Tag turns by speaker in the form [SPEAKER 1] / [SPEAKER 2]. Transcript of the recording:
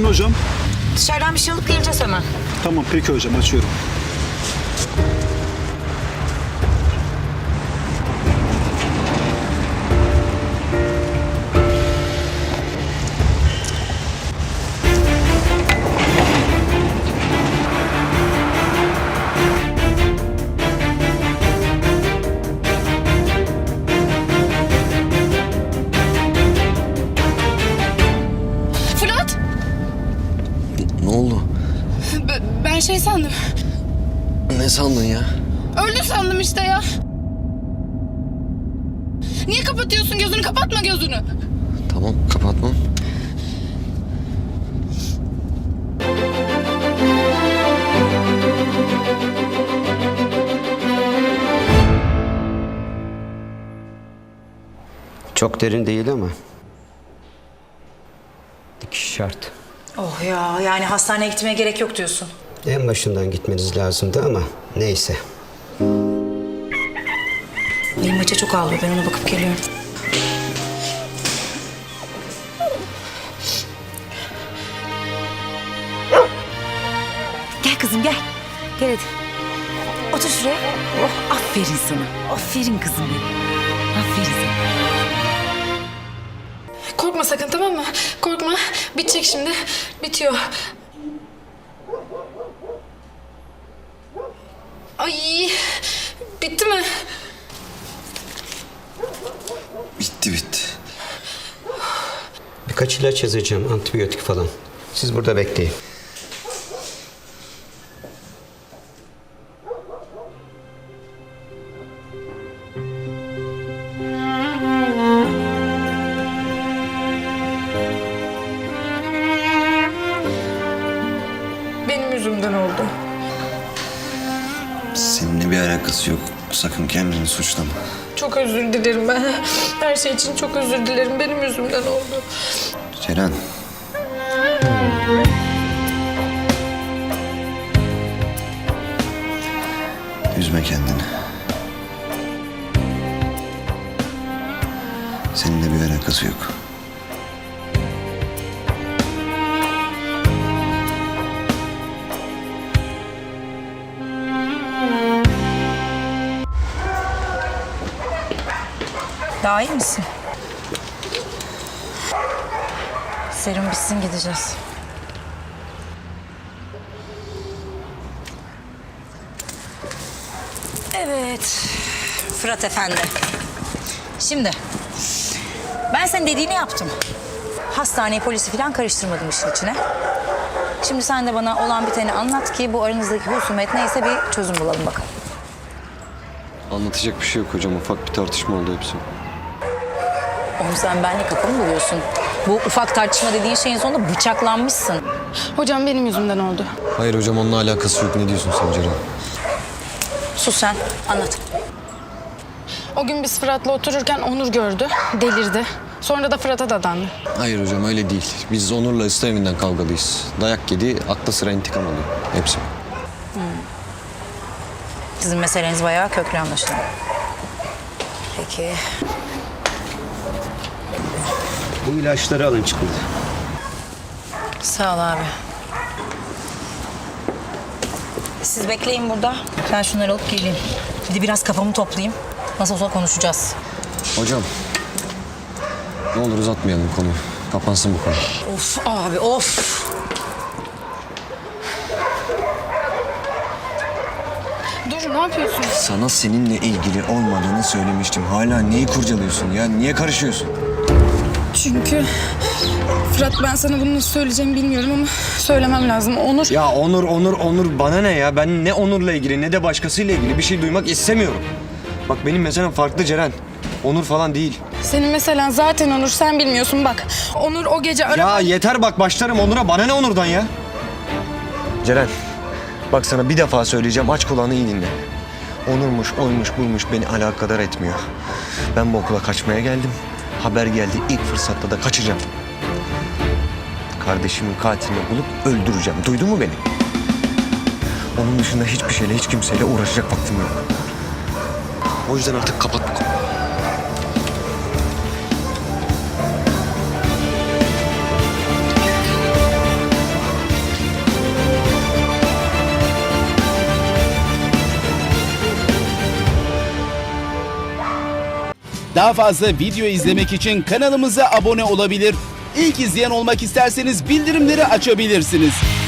[SPEAKER 1] hocam.
[SPEAKER 2] Dışarıdan bir şey alıp geleceğiz hemen.
[SPEAKER 1] Tamam peki hocam, açıyorum.
[SPEAKER 3] Fırat!
[SPEAKER 4] Ne oldu?
[SPEAKER 3] Ben şey sandım.
[SPEAKER 4] Ne sandın ya?
[SPEAKER 3] Öldü sandım işte ya. Niye kapatıyorsun gözünü? Kapatma gözünü.
[SPEAKER 4] Tamam, kapatmam.
[SPEAKER 5] Çok derin değil ama dikiş şart.
[SPEAKER 2] Oh ya, yani hastaneye gitmeye gerek yok diyorsun.
[SPEAKER 5] En başından gitmeniz lazımdı ama neyse.
[SPEAKER 2] Benim maça çok ağlıyor, ben ona bakıp geliyorum. Gel kızım gel. Gel hadi. Otur şuraya. Oh, aferin sana. Aferin kızım benim. Aferin sana.
[SPEAKER 3] Korkma sakın, tamam mı? Korkma. Bitecek şimdi. Bitiyor. Ay, bitti mi?
[SPEAKER 4] Bitti.
[SPEAKER 5] Birkaç ilaç yazacağım, antibiyotik falan. Siz burada bekleyin.
[SPEAKER 3] Benim yüzümden oldu.
[SPEAKER 4] Seninle bir alakası yok. Sakın kendini suçlama.
[SPEAKER 3] Çok özür dilerim ben. Her şey için çok özür dilerim. Benim yüzümden oldu.
[SPEAKER 4] Ceren. Üzme kendini. Seninle bir alakası yok.
[SPEAKER 2] Daha iyi misin? Serum bitsin gideceğiz. Evet. Fırat Efendi. Şimdi ben senin dediğini yaptım. Hastaneyi, polisi falan karıştırmadım işin içine. Şimdi sen de bana olan biteni anlat ki bu aranızdaki husumet neyse bir çözüm bulalım bakalım.
[SPEAKER 4] Anlatacak bir şey yok hocam. Ufak bir tartışma oldu hepsi.
[SPEAKER 2] Oğlum sen benimle kafa mı buluyorsun? Bu ufak tartışma dediğin şeyin sonunda bıçaklanmışsın.
[SPEAKER 3] Hocam benim yüzümden oldu.
[SPEAKER 4] Hayır hocam, onunla alakası yok. Ne diyorsun sen Ceren?
[SPEAKER 2] Sus sen, anlat.
[SPEAKER 3] O gün biz Fırat'la otururken Onur gördü. Delirdi. Sonra da Fırat'a dadandı.
[SPEAKER 4] Hayır hocam, öyle değil. Biz Onur'la ısı evinden kavgalıyız. Dayak yedi, akla sıra intikam alıyor. Hepsi.
[SPEAKER 2] Sizin meseleniz bayağı köklü anlaşılan. Peki.
[SPEAKER 5] Bu ilaçları alın çıkın.
[SPEAKER 2] Sağ ol abi. Siz bekleyin burada. Ben şunları alıp geleyim. Bir de biraz kafamı toplayayım. Nasıl olsa konuşacağız.
[SPEAKER 4] Hocam, ne olur uzatmayalım konuyu. Kapansın bu konu.
[SPEAKER 2] Of abi of.
[SPEAKER 3] Dur, ne yapıyorsun?
[SPEAKER 4] Sana seninle ilgili olmadığını söylemiştim. Hala neyi kurcalıyorsun ya? Niye karışıyorsun?
[SPEAKER 3] Çünkü Fırat, ben sana bunu nasıl söyleyeceğimi bilmiyorum ama söylemem lazım. Onur...
[SPEAKER 4] Ya Onur bana ne ya? Ben ne Onur'la ilgili ne de başkasıyla ilgili bir şey duymak istemiyorum. Bak benim meselem farklı Ceren. Onur falan değil.
[SPEAKER 3] Senin mesela zaten Onur, sen bilmiyorsun bak. Onur o gece
[SPEAKER 4] Ya yeter bak, başlarım Onur'a. Bana ne Onur'dan ya? Ceren, bak sana bir defa söyleyeceğim. Aç kulağını iyi dinle. Onurmuş, oymuş, buymuş beni alakadar etmiyor. Ben bu okula kaçmaya geldim. Haber geldi, ilk fırsatta da kaçacağım. Kardeşimin katilini bulup öldüreceğim. Duydun mu beni? Onun dışında hiçbir şeyle, hiç kimseyle uğraşacak vaktim yok. O yüzden artık kapat bu konuyu.
[SPEAKER 6] Daha fazla video izlemek için kanalımıza abone olabilir. İlk izleyen olmak isterseniz bildirimleri açabilirsiniz.